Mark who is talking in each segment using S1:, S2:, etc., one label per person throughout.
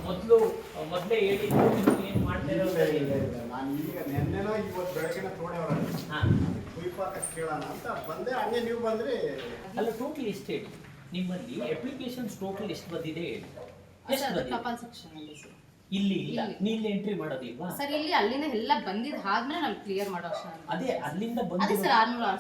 S1: ಮೊದಲೇ ಹೇಳಿದ್ದು ನೀವು ಏನು ಮಾಡ್ತಾ ಇರೋದು?
S2: ನಾನು ಈಗ ನೆನ್ನೆನೋ ಇವತ್ತು ಬೆಳಗ್ಗೆನ ತೋಡೆಯವ್ರ ಕುಯ್ಪಾಕ ಕೇಳೋಣ ಅಂತ ಬಂದೆ. ಹಂಗೆ ನೀವು ಬಂದ್ರಿ.
S1: ಅಲ್ಲ, ಟೋಟಲ್ ಎಷ್ಟು ಹೇಳಿ ನಿಮ್ಮಲ್ಲಿ ಅಪ್ಲಿಕೇಶನ್ಸ್ ಟೋಟಲ್ ಎಷ್ಟು ಬಂದಿದೆ ಹೇಳಿ. ಎಷ್ಟು ಬಂದಿದೆ?
S3: ಕಪಾಲ್ ಸೆಕ್ಷನ್ ಅಲ್ಲಿ ಸರ್.
S1: ಇಲ್ಲಿ ಇಲ್ಲ, ನೀನು ಎಂಟ್ರಿ ಮಾಡೋದಿಲ್ವಾ
S3: ಸರ್? ಇಲ್ಲಿ ಅಲ್ಲಿಂದ ಎಲ್ಲ ಬಂದಿದ್ದು ಆದ್ಮೇಲೆ ನಾವು ಕ್ಲಿಯರ್ ಮಾಡೋ ಅಷ್ಟೇ.
S1: ಅದೇ ಅಲ್ಲಿಂದ
S3: ಅದೇ
S1: ಬಂದಿದೆ
S3: sir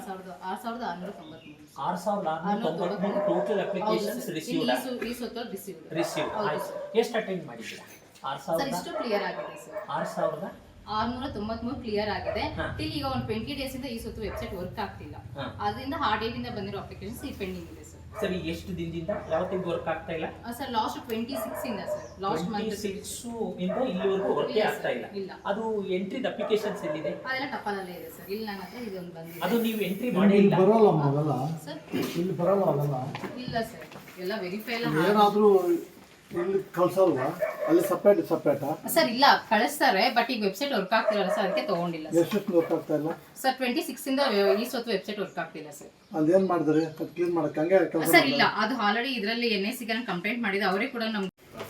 S3: 6693
S1: total applications received. Received ಎಷ್ಟು ಅಟೆಂಡ್ ಮಾಡಿದ್ದೀರಾ?
S3: ಸರ್ ಇಷ್ಟು ಕ್ಲಿಯರ್ ಆಗಿದೆ ಸರ್. 6693 ಕ್ಲಿಯರ್ ಆಗಿದೆ. ಟಿಲ್ ಈಗ ಒಂದು 20 ಡೇಸ್ ಇಂದ ಈ ಸೊತ್ತು ವೆಬ್ಸೈಟ್ ವರ್ಕ್ ಆಗ್ತಿಲ್ಲ. ಅದರಿಂದ ಆ ಡೇಟ್ ಇಂದ ಬಂದಿರೋ ಅಪ್ಲಿಕೇಶನ್ಸ್ ಈ ಪೆಂಡಿಂಗ್ ಇದೆ ಸರ್.
S1: ಸರಿ, ಎಷ್ಟು ದಿನದಿಂದ ಯಾವತ್ತಿಂದ ವರ್ಕ್ ಆಗ್ತಾ ಇಲ್ಲ?
S3: ಸರ್ ಲಾಸ್ಟ್ 26 ಇಂದ ಸರ್. ಲಾಸ್ಟ್ ಮಂತ್
S1: 26 ಇಂದ ಇಲ್ಲಿವರೆಗೂ ವರ್ಕ್ ಆಗ್ತಾ ಇಲ್ಲ. ಅದು ಎಂಟ್ರಿದ ಅಪ್ಲಿಕೇಶನ್ಸ್ ಎಲ್ಲಿದೆ?
S3: ಅದೆಲ್ಲ ಟಪಾಲಲ್ಲೇ ಇದೆ ಸರ್. ಇಲ್ಲಿ ನನ್ನ ಹತ್ರ ಇದೊಂದು ಬಂದಿದೆ.
S1: ಅದು ನೀವು ಎಂಟ್ರಿ ಮಾಡಿ ಇಲ್ಲ
S2: ಬರೋಲ್ಲ ಮೊದಲ
S3: ಸರ್?
S2: ಇಲ್ಲಿ ಬರೋಲ್ಲ ಅದಲ್ಲ.
S3: ಇಲ್ಲ ಸರ್, ಎಲ್ಲ ವೆರಿಫೈ ಎಲ್ಲ
S2: ಏನಾದರೂ ಇಲ್ಲಿ ಕಳ್ಸಲ್ವಾ? ಅಲ್ಲಿ ಸಪ್ರೇಟಾ?
S3: ಸರ್ ಇಲ್ಲ, ಕಳಿಸ್ತಾರೆ. ಬಟ್ ಈಗ ವೆಬ್ಸೈಟ್ ವರ್ಕ್ ಆಗ್ತಿಲ್ಲ ಸರ್, ಅದಕ್ಕೆ ತಗೊಂಡಿಲ್ಲ ಸರ್.
S2: ಎಷ್ಟು ಗೊತ್ತಾಗ್ತಾ ಇಲ್ಲ
S3: ಸರ್ 26 ಇಂದ ಈ ಸೊತ್ತು ವೆಬ್ಸೈಟ್ ವರ್ಕ್ ಆಗ್ತಿಲ್ಲ ಸರ್.
S2: ಅದೇನ್ ಮಾಡಿದ್ರಿ? ಅದು ಕ್ಲೀನ್ ಮಾಡಕ್ಕೆ ಹಂಗೆ
S3: ಸರ್ ಇಲ್ಲ, ಅದು ಆಲ್ರೆಡಿ ಇದರಲ್ಲಿ NIC ಗೆ ಕಂಪ್ಲೇಂಟ್ ಮಾಡಿದೆ. ಅವರೇ ಕೂಡ ನಮ್ಗೆ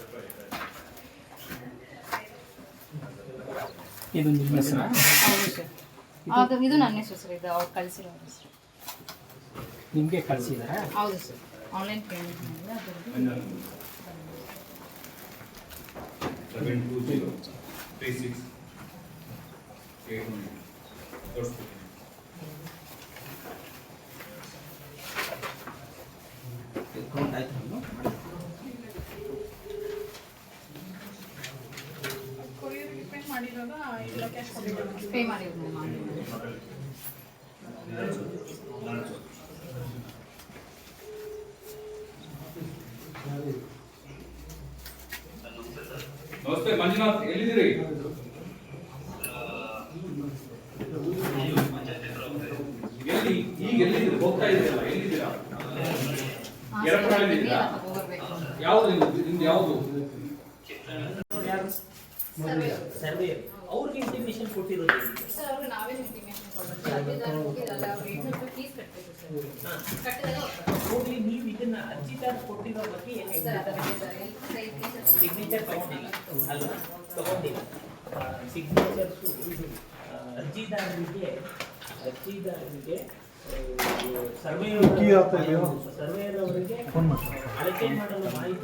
S1: ಇದು ನಿಮ್ಮ ಹೆಸರಾ?
S3: ಹೌದು ಸರ್. ಅದು ಇದು ನನ್ನ ಹೆಸರು ಸರ್. ಇದು ಅವ್ರು ಕಳಿಸಿರೋ ಹೆಸರು.
S1: ನಿಮಗೆ ಕಳಿಸಿದಾರಾ?
S3: ಹೌದು ಸರ್. ಆನ್ಲೈನ್ ಪೇಮೆಂಟ್ ಮಾಡಿದ್ರೆ ಅದರದ್ದು
S4: 72036 800
S1: ಅಕೌಂಟ್ ಆಯ್ತು.
S3: ಪೇ ಮಾಡಿರೋದು
S4: ನಮಸ್ತೆ ಮಂಜುನಾಥ್, ಎಲ್ಲಿದ್ದೀರಿ? ಎಲ್ಲಿ ಈಗ ಎಲ್ಲಿದ್ದೀರಿ? ಹೋಗ್ತಾ ಇದ್ದೀರಲ್ಲ, ಎಲ್ಲಿದ್ದೀರಾ? ಎರಡರಲ್ಲಿದ್ದೀರಾ? ಯಾವುದು ನಿಮ್ದು ಯಾವುದು?
S1: ಸರ್ವೇಯರ್ ಅವ್ರಿಗೆ ಇಂಟಿಮೇಷನ್ ಕೊಟ್ಟಿರೋದು
S3: ಸರ್. ಅವ್ರಿಗೆ ನಾವೇ ಇಂಟಿಮೇಷನ್ ಕೊಡಬೇಕು. ಅರ್ಜಿದಾರ ಹೋಗಿರಲ್ಲ, ಅವ್ರು 800 ರೂಪಾಯಿ ಫೀಸ್ ಕಟ್ಟಬೇಕು ಸರ್. ಕಟ್ಟಿದಾಗ
S1: ಹೋಗ್ಲಿ. ನೀವು ಇದನ್ನ ಅರ್ಜಿದಾರ ಕೊಟ್ಟಿರೋ ಬಗ್ಗೆ ಏನು ಸಿಗ್ನೇಚರ್ ತಗೊಂಡಿಲ್ಲ ಅಲ್ವಾ? ತಗೊಂಡಿಲ್ಲ. ಸಿಗ್ನೇಚರ್ಸು ಇದು ಅರ್ಜಿದಾರರಿಗೆ ಸರ್ವೇಯರ್ ಅವರಿಗೆ ಅಳತೆ ಮಾಡಲು ಮಾಹಿತಿ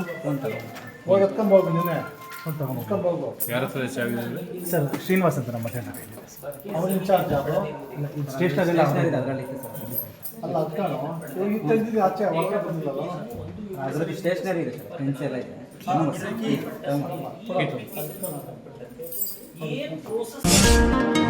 S1: ಒದಗಿಸುವ
S4: ಯಾರ ಹತ್ರ
S5: ಸರ್ ಶ್ರೀನಿವಾಸ್ ಅಂತ ನಮ್ಮ ಮಧ್ಯಾಹ್ನ ಅವ್ರ ಇನ್ಚಾರ್ಜ್ ಸ್ಟೇಷನರಿ ಅದರಲ್ಲಿ ಅಲ್ಲ ಅದಕ್ಕೆ ತೆಗೆದಿದ್ದು ಆಚೆ ಹೊರಗಡೆ ಬಂದಿಲ್ಲಲ್ಲ.
S6: ಅದರಲ್ಲಿ ಸ್ಟೇಷನರಿ ಇದೆ ಸರ್, ಪೆನ್ಸ್ ಎಲ್ಲ ಇದೆ.
S1: ಏನು ಪ್ರೋಸೆಸ್